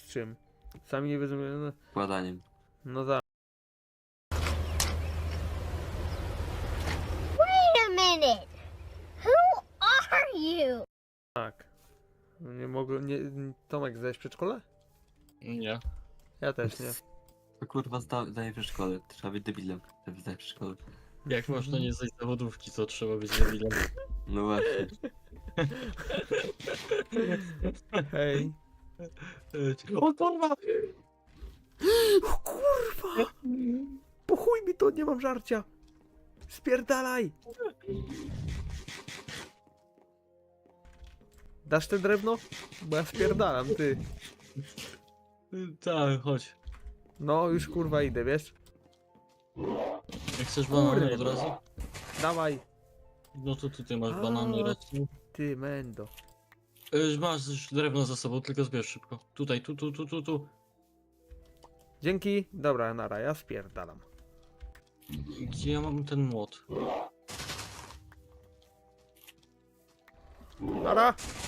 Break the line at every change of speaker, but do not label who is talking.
czym? Sami nie wiedzą, no,
Składaniem.
no tak.
Wait a minute! Who are you?
Tak. Nie mogę, nie... Tomek, zdałeś przedszkole?
Nie.
Ja też nie.
To kurwa zdaje w szkole. Trzeba być debilem, żeby zdać w szkole.
Jak można nie zdać zawodówki, to trzeba być debilem.
No właśnie.
Hej.
O kurwa!
Kurwa! Po chuj mi to, nie mam żarcia! Spierdalaj! Dasz te drewno? Bo ja spierdalam, ty.
Tak, chodź.
No, już kurwa idę, wiesz?
Jak chcesz banany od
Kurwa.
razu?
Dawaj!
No to tutaj masz
A.
banany rosną.
Ty, mendo.
Masz już drewno za sobą, tylko zbierz szybko. Tutaj, tu.
Dzięki. Dobra, nara, ja spierdalam.
Gdzie ja mam ten młot?
Nara!